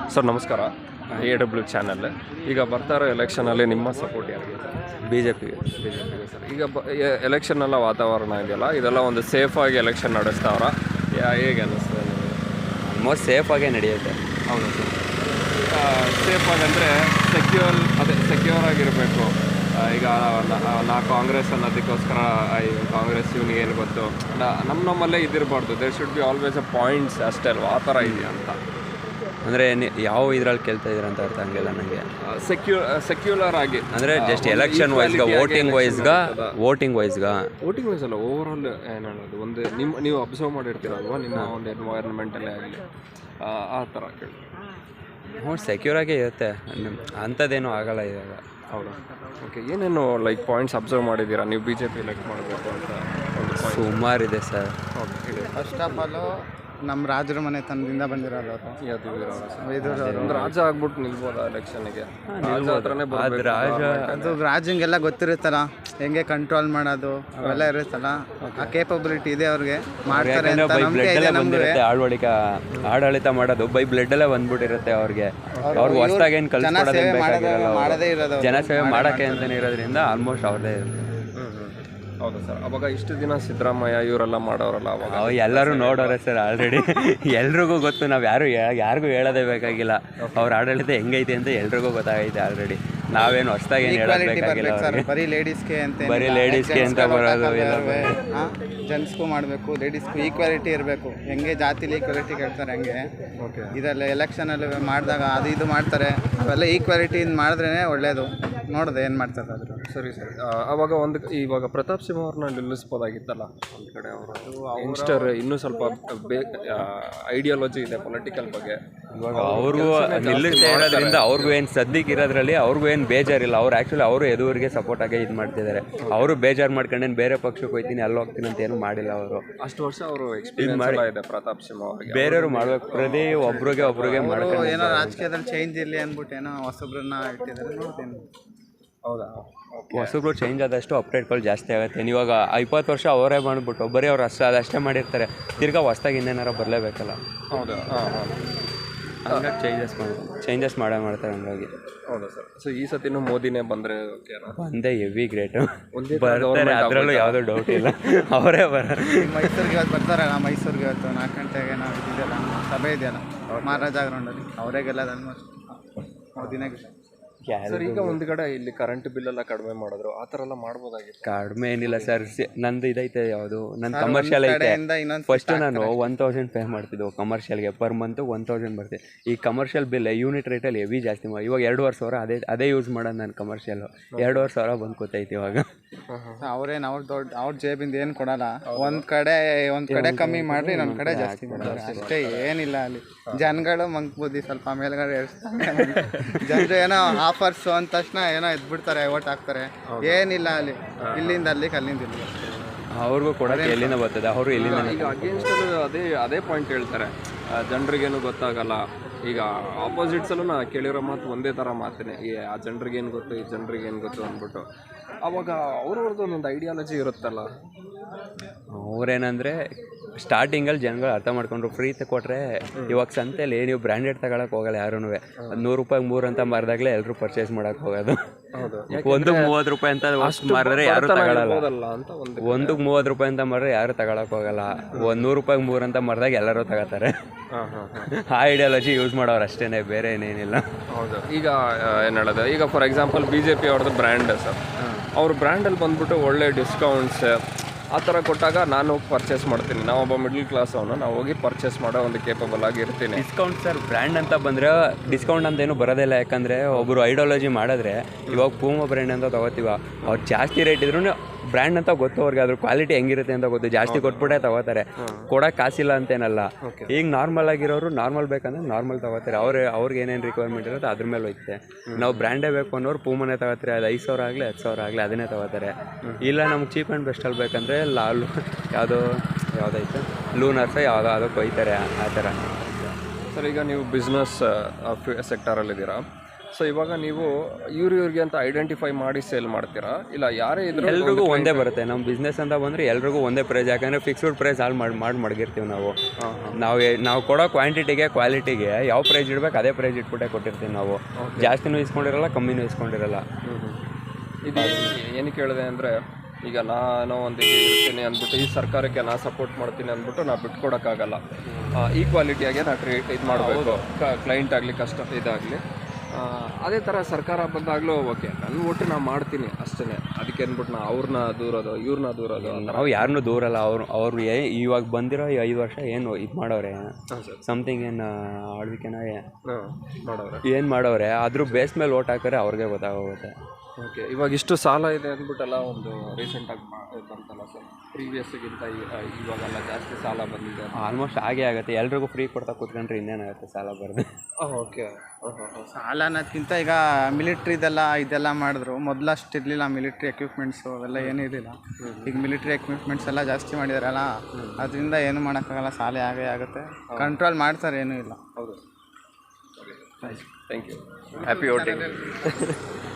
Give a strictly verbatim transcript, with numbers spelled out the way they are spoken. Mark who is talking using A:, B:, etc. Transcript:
A: Sir ನಮಸ್ಕಾರ. A W channel. ಈಗ ಬರ್ತಾ ಇರೋ ಎಲೆಕ್ಷನಲ್ಲಿ ನಿಮ್ಮ ಸಪೋರ್ಟ್ ಯಾರಿಗೆ?
B: ಬಿ ಜೆ ಪಿಗೆ.
A: ಬಿ ಜೆ ಪಿಗೆ ಸರ್. ಈಗ ಬ ಎಲೆಕ್ಷನ್ನೆಲ್ಲ ವಾತಾವರಣ ಇದೆಯಲ್ಲ, ಇದೆಲ್ಲ ಒಂದು ಸೇಫಾಗಿ ಎಲೆಕ್ಷನ್ ನಡೆಸ್ತಾವ್ರ, ಹೇಗೆ ಅನ್ನಿಸ್ತದೆ ನಿಮಗೆ?
B: ಆಲ್ಮೋಸ್ಟ್ ಸೇಫಾಗೇ ನಡೆಯುತ್ತೆ.
A: ಹೌದು ಸರ್. ಸೇಫಾಗಿ ಅಂದರೆ ಸೆಕ್ಯೂರ್, ಅದೇ ಸೆಕ್ಯೂರ್ ಆಗಿರಬೇಕು. ಈಗ ನಾ ಕಾಂಗ್ರೆಸ್ ಅನ್ನೋದಕ್ಕೋಸ್ಕರ ಕಾಂಗ್ರೆಸ್ ಇವನಿಗೆ ಏನು ಗೊತ್ತು, ನಮ್ಮ ನಮ್ಮಲ್ಲೇ ಇದಿರಬಾರ್ದು. There should be always a points ಅಷ್ಟೇ ಅಲ್ವಾ, ಆ ಥರ ಇದೆಯಾ ಅಂತ.
B: ಅಂದರೆ ಯಾವ ಇದ್ರಲ್ಲಿ ಕೇಳ್ತಾ ಇದ್ದೀರ ಅಂತ ಅರ್ಥ ಹಂಗಿಲ್ಲ ನನಗೆ.
A: ಸೆಕ್ಯೂ ಸೆಕ್ಯುಲರ್ ಆಗಿ ಅಂದರೆ
B: ಜಸ್ಟ್ ಎಲೆಕ್ಷನ್ ವೈಸ್ಗ, ವೋಟಿಂಗ್ ವೈಸ್ಗ ವೋಟಿಂಗ್ ವೈಸ್ಗ
A: ವೋಟಿಂಗ್ ವೈಸ್ ಅಲ್ಲ, ಓವರ್ ಆಲ್ ಏನು ಹೇಳೋದು, ಒಂದು ನಿಮ್ಮ ನೀವು ಅಬ್ಸರ್ವ್ ಮಾಡಿರ್ತೀರಲ್ವ ನಿಮ್ಮ ಒಂದು ಎನ್ವೈರ್ಮೆಂಟಲ್ಲೇ ಆಗಲಿ, ಆ ಥರ ಕೇಳಿ.
B: ಹ್ಞೂ, ಸೆಕ್ಯೂರಾಗೇ ಇರುತ್ತೆ, ಅಂಥದ್ದೇನೂ ಆಗಲ್ಲ ಇವಾಗ.
A: ಹೌದಾ? ಓಕೆ. ಏನೇನು ಲೈಕ್ ಪಾಯಿಂಟ್ಸ್ ಅಬ್ಸರ್ವ್ ಮಾಡಿದ್ದೀರಾ ನೀವು ಬಿ ಜೆ ಪಿ ಎಲೆಕ್ಟ್ ಮಾಡಬೇಕು ಅಂತ? ಒಂದು
B: ಸುಮಾರಿದೆ ಸರ್.
A: ಓಕೆ, ಹೇಳಿ.
C: ಫಸ್ಟ್ ಆಫ್ ಆಲು ನಮ್ಮ ರಾಜರ ಮನೆತನದಿಂದ ಬಂದಿರೋರು ಅವರು.
A: ಒಂದು ರಾಜ ಆಗ್ಬಿಟ್ಟು ನಿಲ್ಬೋದಾ ಎಲೆಕ್ಷನ್ಗೆ?
B: ಅದು ರಾಜ
C: ಅದು ರಾಜಂಗೆಲ್ಲ ಗೊತ್ತಿರುತ್ತಲ್ಲ, ಹೆಂಗೆ ಕಂಟ್ರೋಲ್ ಮಾಡೋದು ಅವೆಲ್ಲ ಇರುತ್ತಲ್ಲ, ಆ ಕೇಪಬಿಲಿಟಿ ಇದೆ ಅವ್ರಿಗೆ, ಮಾಡ್ತಾರೆ ಅಂತ ನಂಬಿಕೆ ಇದೆ ನಮ್ಗೆ.
B: ಆಡಳಿತ ಆಡಳಿತ ಮಾಡೋದು ಬೈ ಬ್ಲಡ್ಡಲ್ಲೇ ಬಂದ್ಬಿಟ್ಟಿರುತ್ತೆ ಅವ್ರಿಗೆ. ಅವ್ರಿಗೆ ಹೊಸದಾಗಿ ಏನು ಕಲ್ಸ್ಕೊಡೋದೇನು ಬೇಕಾಗಿರಲ್ಲ,
C: ಮಾಡದೇ ಇರೋದು
B: ಜನಸೇವೆ ಮಾಡೋಕ್ಕೆ ಅಂತಲೇ ಇರೋದ್ರಿಂದ ಆಲ್ಮೋಸ್ಟ್ ಅವ್ರದ್ದೇ ಇರುತ್ತೆ.
A: ಹೌದು ಸರ್. ಅವಾಗ ಇಷ್ಟು ದಿನ ಸಿದ್ದರಾಮಯ್ಯ ಇವರೆಲ್ಲ ಮಾಡೋರಲ್ಲ, ಅವಾಗ
B: ಎಲ್ಲರೂ ನೋಡೋರೆ ಸರ್ ಆಲ್ರೆಡಿ. ಎಲ್ರಿಗೂ ಗೊತ್ತು, ನಾವು ಯಾರು ಯಾರಿಗೂ ಹೇಳೋದೇ ಬೇಕಾಗಿಲ್ಲ ಅವ್ರ ಆಡಳಿತ ಹೆಂಗೈತೆ ಅಂತ ಎಲ್ರಿಗೂ ಗೊತ್ತಾಗೈತೆ ಆಲ್ರೆಡಿ. ನಾವೇನು ಹೊಸದಾಗಿ ಏನು ಹೇಳಬೇಕಾಗಿಲ್ಲ.
C: ಬರೀ ಲೇಡೀಸ್ಗೆ ಅಂತ
B: ಬರೀ ಲೇಡೀಸ್ಗೆ ಅಂತ ಬರೋದು ಇಲ್ಲ,
C: ಜೆಂಟ್ಸ್ಗೂ ಮಾಡಬೇಕು, ಲೇಡೀಸ್ಗೂ ಈಕ್ವಾಲಿಟಿ ಇರಬೇಕು. ಹೆಂಗೆ ಜಾತಿಲಿ ಈಕ್ವಾಲಿಟಿ ಕೇಳ್ತಾರೆ ಹಂಗೆ ಇದರಲ್ಲಿ ಎಲೆಕ್ಷನಲ್ಲಿ ಮಾಡಿದಾಗ ಅದು ಇದು ಮಾಡ್ತಾರೆ, ಅವೆಲ್ಲ ಈಕ್ವಾಲಿಟಿಯಿಂದ ಮಾಡಿದ್ರೇ ಒಳ್ಳೆಯದು. ನೋಡಿದೆ ಏನು ಮಾಡ್ತಾರೆ ಅದ್ರ.
A: ಸರಿ ಸರಿ. ಅವಾಗ ಒಂದು ಇವಾಗ ಪ್ರತಾಪ್ ಸಿಂಹ ಅವ್ರನ್ನ ನಿಲ್ಲಿಸ್ಬೋದಾಗಿತ್ತಲ್ಲ ಒಂದು ಕಡೆ. ಅವರು ಯಂಗ್ಸ್ಟರ್ ಇನ್ನೂ ಸ್ವಲ್ಪ ಬೇ ಐಡಿಯಾಲಜಿ ಇದೆ ಪೊಲಿಟಿಕಲ್ ಬಗ್ಗೆ.
B: ಇವಾಗ ಅವ್ರಿಗೂ ನಿಲ್ಲಿಸ್ತಾ ಇರೋದ್ರಿಂದ ಅವ್ರಿಗೂ ಏನು ಸದ್ಯಕ್ಕೆ ಇರೋದ್ರಲ್ಲಿ ಅವ್ರಿಗೂ ಏನು ಬೇಜಾರಿಲ್ಲ. ಅವ್ರು ಆ್ಯಕ್ಚುಲಿ ಅವರು ಎದುರಿಗೆ ಸಪೋರ್ಟ್ ಆಗಿ ಇದು ಮಾಡ್ತಿದ್ದಾರೆ. ಅವರು ಬೇಜಾರು ಮಾಡ್ಕೊಂಡೇನು ಬೇರೆ ಪಕ್ಷಕ್ಕೆ ಹೋಗ್ತೀನಿ ಅಲ್ಲಿ ಹೋಗ್ತೀನಿ ಅಂತ ಏನು ಮಾಡಿಲ್ಲ. ಅವರು
A: ಅಷ್ಟು ವರ್ಷ ಅವರು ಎಕ್ಸ್ಪೀರಿಯನ್ಸ್ ಇದೆ ಪ್ರತಾಪ್ ಸಿಂಹ ಅವರಿಗೆ.
B: ಬೇರೆಯವರು ಮಾಡ್ಬೇಕು, ಪ್ರತಿ ಒಬ್ರಿಗೆ ಒಬ್ರಿಗೆ ಮಾಡ್ಕೊಂಡು
C: ಏನೋ ರಾಜಕೀಯದಲ್ಲಿ ಚೇಂಜ್ ಇರಲಿ ಅಂದ್ಬಿಟ್ಟು ಏನೋ ಹೊಸೊಬ್ರನ್ನ ಇಟ್ಟಿದ್ದಾರೆ, ನೋಡ್ತೀನಿ.
A: ಹೌದಾ?
B: ಹೊಸಬ್ರು ಚೇಂಜ್ ಆದಷ್ಟು ಅಪ್ಡೇಟ್ಗಳು ಜಾಸ್ತಿ ಆಗುತ್ತೆ. ಇವಾಗ ಇಪ್ಪತ್ತು ವರ್ಷ ಅವರೇ ಮಾಡಿಬಿಟ್ಟು ಬರೀ ಅವ್ರು ಅಷ್ಟು ಅದಷ್ಟೇ ಮಾಡಿರ್ತಾರೆ, ತಿರ್ಗಾ ಹೊಸ್ದಾಗಿ ಇನ್ನೇನಾರ ಬರಲೇಬೇಕಲ್ಲ.
A: ಹೌದಾ? ಹಾಂ ಹಾಂ.
B: ಹಂಗಾಗಿ ಚೇಂಜಸ್ ಮಾಡಿ ಚೇಂಜಸ್ ಮಾಡೇ ಮಾಡ್ತಾರೆ ಹಂಗಾಗಿ.
A: ಹೌದಾ ಸರ್? ಸೊ ಈ ಸತಿನೂ ಮೋದಿನೇ ಬಂದರೆ
B: ಬಂದೇ ಹೆವಿ ಗ್ರೇಟು ಬರ್ತಾರೆ, ಅದರಲ್ಲೂ ಯಾವುದೋ ಡೌಟ್ ಇಲ್ಲ. ಅವರೇ ಬರ
C: ಮೈಸೂರಿಗೆ ಇವತ್ತು ಬರ್ತಾರಲ್ಲ, ಮೈಸೂರಿಗೆ ಇವತ್ತು ನಾಲ್ಕು ಗಂಟೆಗೆ ನಾವು ಇದೆಯಲ್ಲ ಸಭೆ ಇದೆಯಲ್ಲ ಮಹಾರಾಜ ಗ್ರೌಂಡಲ್ಲಿ, ಅವರೇ ಗೆಲ್ಲೋದು ಆಲ್ಮೋಸ್ಟ್ ಮೋದಿನೇ ಗೆಲ್ಲ.
A: ಸರ್ ಈಗ ಒಂದು ಕಡೆ ಇಲ್ಲಿ ಕರೆಂಟ್ ಬಿಲ್ ಎಲ್ಲ ಕಡಿಮೆ ಮಾಡಿದ್ರು, ಆ ಥರ ಎಲ್ಲ ಮಾಡ್ಬೋದಾಗಿತ್ತು.
B: ಕಡಿಮೆ ಏನಿಲ್ಲ ಸರ್, ನಂದು ಇದೈತೆ ಯಾವುದು ನನ್ನ ಕಮರ್ಷಿಯಲ್ ಐತೆ. ಫಸ್ಟ್ ನಾನು ಒನ್ ತೌಸಂಡ್ ಪೇ ಮಾಡ್ತಿದ್ದೆವು ಕಮರ್ಷಿಯಲ್ಗೆ, ಪರ್ ಮಂತು ಒನ್ ತೌಸಂಡ್ ಬರ್ತೀವಿ. ಈ ಕಮರ್ಷಿಯಲ್ ಬಿಲ್ ಯೂನಿಟ್ ರೇಟಲ್ಲಿ ಹೆವಿ ಜಾಸ್ತಿ ಮಾಡಿ ಇವಾಗ ಎರಡುವರೆ ಸಾವಿರ ಅದೇ ಅದೇ ಯೂಸ್ ಮಾಡೋದು ನಾನು ಕಮರ್ಷಿಯಲ್ಲು. ಎರಡುವರೆ ಸಾವಿರ ಬಂದು ಕೂತೈತಿ ಇವಾಗ.
C: ಅವ್ರೇನು ಅವ್ರ ದೊಡ್ಡ ಅವ್ರ ಜೇಬಿಂದ ಏನು ಕೊಡಲ್ಲ, ಒಂದು ಕಡೆ ಒಂದು ಕಡೆ ಕಮ್ಮಿ ಮಾಡಿರಿ, ಇನ್ನೊಂದು ಕಡೆ ಜಾಸ್ತಿ ಮಾಡ್ತಾರೆ ಅಷ್ಟೇ, ಏನಿಲ್ಲ. ಅಲ್ಲಿ ಜನಗಳು ಮಂಕ್ ಬುದ್ಧಿ ಸ್ವಲ್ಪ ಮೇಲ್ಗಡೆ ಜನರು ಏನೋ ಆಫರ್ಸು ಅಂದ ತಕ್ಷಣ ಏನೋ ಎದ್ಬಿಡ್ತಾರೆ, ಓಟ್ ಹಾಕ್ತಾರೆ, ಏನಿಲ್ಲ. ಅಲ್ಲಿ ಇಲ್ಲಿಂದ ಅಲ್ಲಿಗೆ, ಅಲ್ಲಿಂದ ಇಲ್ಲಿ
B: ಅವ್ರಿಗೂ ಕೊಡೋದು ಎಲ್ಲಿಂದ ಬರ್ತದೆ, ಅವರು ಎಲ್ಲಿಂದ.
A: ಈಗ ಅಗೇನ್ಸ್ಟಲ್ಲಿ ಅದೇ ಅದೇ ಪಾಯಿಂಟ್ ಹೇಳ್ತಾರೆ, ಜನರಿಗೇನು ಗೊತ್ತಾಗಲ್ಲ. ಈಗ ಆಪೋಸಿಟ್ಸಲ್ಲೂ ನಾ ಕೇಳಿರೋ ಮಾತು ಒಂದೇ ಥರ ಮಾತೇನೆ, ಈ ಆ ಜನರಿಗೇನು ಗೊತ್ತು, ಈ ಜನರಿಗೇನು ಗೊತ್ತು ಅಂದ್ಬಿಟ್ಟು. ಅವಾಗ ಅವ್ರವ್ರದ್ದು ಒಂದೊಂದು ಐಡಿಯಾಲಜಿ ಇರುತ್ತಲ್ಲ.
B: ಅವ್ರೇನಂದರೆ ಸ್ಟಾರ್ಟಿಂಗಲ್ಲಿ ಜನಗಳು ಅರ್ಥ ಮಾಡ್ಕೊಂಡ್ರು, ಫ್ರೀ ಕೊಟ್ಟರೆ ಇವಾಗ ಸಂತೆಯಲ್ಲಿ ನೀವು ಬ್ರ್ಯಾಂಡೆಡ್ ತಗೊಳಕ್ಕೆ ಹೋಗಲ್ಲ ಯಾರೂ. ಅದು ನೂರು ರೂಪಾಯಿಗೆ ಮೂರು ಅಂತ ಮಾರಿದಾಗಲೇ ಎಲ್ಲರೂ ಪರ್ಚೇಸ್ ಮಾಡೋಕ್ಕೆ ಹೋಗೋದು. ಒಂದು ಮೂವತ್ತು ರೂಪಾಯಿ ಅಂತ ಮಾರಿದ್ರೆ ಯಾರು ತಗೊಳ್ಳಲ್ಲ, ಒಂದು ಮೂವತ್ತು ರೂಪಾಯಿ ಅಂತ ಮಾರಿದ್ರೆ ಯಾರು ತಗೊಳಕ್ಕೆ ಹೋಗಲ್ಲ. ಒಂದು ನೂರು ರೂಪಾಯಿಗೆ ಮೂರು ಅಂತ ಮಾರಿದಾಗ ಎಲ್ಲರೂ ತಗೋತಾರೆ. ಆ ಐಡಿಯಾಲಜಿ ಯೂಸ್ ಮಾಡೋರು ಅಷ್ಟೇ, ಬೇರೆ ಏನೇನಿಲ್ಲ.
A: ಹೌದು. ಈಗ ಏನು ಹೇಳೋದು, ಈಗ for example B J P ಅವ್ರದ್ದು ಬ್ರ್ಯಾಂಡ್ ಸರ್, ಅವ್ರ ಬ್ರ್ಯಾಂಡಲ್ಲಿ ಬಂದ್ಬಿಟ್ಟು ಒಳ್ಳೆ ಡಿಸ್ಕೌಂಟ್ಸ್ ಆ ಥರ ಕೊಟ್ಟಾಗ ನಾನು ಹೋಗಿ ಪರ್ಚೇಸ್ ಮಾಡ್ತೀನಿ. ನಾವೊಬ್ಬ ಮಿಡ್ಲ್ ಕ್ಲಾಸ್ ಅವನು, ನಾವು ಹೋಗಿ ಪರ್ಚೇಸ್ ಮಾಡೋ ಒಂದು ಕೇಪಬಲ್ ಆಗಿರ್ತೀನಿ.
B: ಡಿಸ್ಕೌಂಟ್ ಸರ್, ಬ್ರ್ಯಾಂಡ್ ಅಂತ ಬಂದರೆ ಡಿಸ್ಕೌಂಟ್ ಅಂತೇನು ಬರೋದಿಲ್ಲ. ಯಾಕಂದರೆ ಒಬ್ಬರು ಐಡಿಯಾಲಜಿ ಮಾಡಿದ್ರೆ, ಇವಾಗ ಪೂಮಾ ಬ್ರ್ಯಾಂಡ್ ಅಂತ ತೊಗೋತೀವ, ಅವ್ರು ಜಾಸ್ತಿ ರೇಟ್ ಇದ್ರೂ ಬ್ರ್ಯಾಂಡ್ ಅಂತ ಗೊತ್ತು ಅವ್ರಿಗೆ, ಅದ್ರ ಕ್ವಾಲಿಟಿ ಹೆಂಗಿರುತ್ತೆ ಅಂತ ಗೊತ್ತು, ಜಾಸ್ತಿ ಕೊಟ್ಬಿಟ್ಟೆ ತಗೋತಾರೆ. ಕೊಡೋಕೆ ಕಾಸಿಲ್ಲ ಅಂತೇನಲ್ಲ. ಈಗ ನಾರ್ಮಲ್ ಆಗಿರೋರು ನಾರ್ಮಲ್ ಬೇಕಂದ್ರೆ ನಾರ್ಮಲ್ ತಗೋತಾರೆ. ಅವ್ರು ಅವ್ರಿಗೆ ಏನೇನು ರಿಕ್ವೈರ್ಮೆಂಟ್ ಇರುತ್ತೆ ಅದ್ರ ಮೇಲೆ ಹೋಯ್ತೆ. ನಾವು ಬ್ರ್ಯಾಂಡೇ ಬೇಕು ಅನ್ನೋರು ಪೂಮನೇ ತಗೋತಾರೆ, ಅದು ಐದು ಸಾವಿರ ಆಗಲಿ ಹತ್ತು ಸಾವಿರ ಆಗಲಿ ಅದನ್ನೇ ತಗೋತಾರೆ. ಇಲ್ಲ ನಮ್ಗೆ ಚೀಪ್ ಆ್ಯಂಡ್ ಬೆಸ್ಟಲ್ಲಿ ಬೇಕಂದರೆ ಲಾಲು ಯಾವುದೋ ಯಾವುದೈತೆ ಲೂನರ್ಸ ಯಾವುದೋ ಅದಕ್ಕೆ ಹೋಯ್ತಾರೆ, ಆ ಥರ.
A: ಸರ್ ಈಗ ನೀವು ಬಿಸ್ನೆಸ್ ಸೆಕ್ಟರಲ್ಲಿದ್ದೀರಾ, ಸೊ ಇವಾಗ ನೀವು ಇವ್ರು ಇವ್ರಿಗೆ ಅಂತ ಐಡೆಂಟಿಫೈ ಮಾಡಿ ಸೇಲ್ ಮಾಡ್ತೀರಾ ಇಲ್ಲ ಯಾರೇ ಇದ್ರು
B: ಎಲ್ರಿಗೂ ಒಂದೇ ಬರುತ್ತೆ ನಮ್ಮ ಬಿಸ್ನೆಸ್ ಅಂತ ಬಂದರೆ ಎಲ್ರಿಗೂ ಒಂದೇ ಪ್ರೈಸ್, ಯಾಕಂದರೆ ಫಿಕ್ಸ್ಡ್ ಪ್ರೈಸ್ ಆಲ್ ಮಾಡಿ ಮಾಡಿ ಮಡಗಿರ್ತೀವಿ ನಾವು ನಾವು ನಾವು ಕೊಡೋ ಕ್ವಾಂಟಿಟಿಗೆ ಕ್ವಾಲಿಟಿಗೆ ಯಾವ ಪ್ರೈಸ್ ಇಡ್ಬೇಕು ಅದೇ ಪ್ರೈಸ್ ಇಟ್ಬಿಟ್ಟೆ ಕೊಟ್ಟಿರ್ತೀವಿ ನಾವು. ಜಾಸ್ತಿನೂ ಇಸ್ಕೊಂಡಿರಲ್ಲ ಕಮ್ಮಿನೂ ಇಸ್ಕೊಂಡಿರಲ್ಲ.
A: ಇದು ಏನಕ್ಕೆ ಹೇಳಿದೆ ಅಂದರೆ ಈಗ ನಾನು ಒಂದು ಇದು ಇರ್ತೀನಿ ಅಂದ್ಬಿಟ್ಟು ಈ ಸರ್ಕಾರಕ್ಕೆ ನಾ ಸಪೋರ್ಟ್ ಮಾಡ್ತೀನಿ ಅಂದ್ಬಿಟ್ಟು ನಾ ಬಿಟ್ಕೊಡೋಕ್ಕಾಗಲ್ಲ. ಈಕ್ವಾಲಿಟಿಯಾಗೆ ನಾ ಟ್ರೀಟ್ ಇದು ಮಾಡಬೇಕು, ಕ್ಲೈಂಟ್ ಆಗಲಿ ಕಷ್ಟ ಇದಾಗಲಿ. ಅದೇ ಥರ ಸರ್ಕಾರ ಬಂದಾಗಲೂ ಓಕೆ ನನ್ನ ಒಟ್ಟು ನಾನು ಮಾಡ್ತೀನಿ ಅಷ್ಟೇ. ಅದಕ್ಕೆ ಅಂದ್ಬಿಟ್ಟು ನಾ ಅವ್ರನ್ನ ದೂರೋದು ಇವ್ರನ್ನ ದೂರೋದು
B: ನಾವು ಯಾರನ್ನೂ ದೂರಲ್ಲ. ಅವ್ರು ಅವ್ರು ಏ ಇವಾಗ ಬಂದಿರೋ ಈ ಐದು ವರ್ಷ ಏನು ಇದು ಮಾಡೋರೆ ಸಮಥಿಂಗ್ ಏನು ಆಳ್ವಿಕೆನ
A: ಮಾಡೋರೆ
B: ಏನು ಮಾಡೋರೆ ಅದ್ರ ಬೇಸ್ ಮೇಲೆ ಓಟ್ ಹಾಕಿದ್ರೆ ಅವ್ರಿಗೆ ಗೊತ್ತಾಗೋಗುತ್ತೆ.
A: ಓಕೆ, ಇವಾಗ ಇಷ್ಟು ಸಾಲ ಇದೆ ಅಂದ್ಬಿಟ್ಟೆಲ್ಲ ಒಂದು ರೀಸೆಂಟಾಗಿ ಬಂತಲ್ಲ ಸರ್, ಪ್ರೀವಿಯಸ್ಗಿಂತ ಇವಾಗೆಲ್ಲ ಜಾಸ್ತಿ ಸಾಲ ಬಂದಿದೆ.
B: ಆಲ್ಮೋಸ್ಟ್ ಹಾಗೆ ಆಗುತ್ತೆ. ಎಲ್ರಿಗೂ ಫ್ರೀ ಕೊಡ್ತಾ ಕೂತ್ಕೊಂಡ್ರೆ ಇನ್ನೇನಾಗುತ್ತೆ ಸಾಲ ಬರೋದು.
A: ಓಕೆ,
C: ಸಾಲ ಅನ್ನೋದಕ್ಕಿಂತ ಈಗ ಮಿಲಿಟ್ರಿದೆಲ್ಲ ಇದೆಲ್ಲ ಮಾಡಿದ್ರು. ಮೊದಲಷ್ಟು ಇರಲಿಲ್ಲ ಮಿಲಿಟ್ರಿ ಎಕ್ವಿಪ್ಮೆಂಟ್ಸು ಅವೆಲ್ಲ ಏನೂ ಇರಲಿಲ್ಲ. ಈಗ ಮಿಲಿಟ್ರಿ ಎಕ್ವಿಪ್ಮೆಂಟ್ಸ್ ಎಲ್ಲ ಜಾಸ್ತಿ ಮಾಡಿದಾರಲ್ಲ, ಅದರಿಂದ ಏನು ಮಾಡೋಕ್ಕಾಗಲ್ಲ, ಸಾಲ ಆಗೇ ಆಗುತ್ತೆ. ಕಂಟ್ರೋಲ್ ಮಾಡ್ತಾರೆ, ಏನೂ ಇಲ್ಲ.
A: ಹೌದು. Thank you. Happy voting.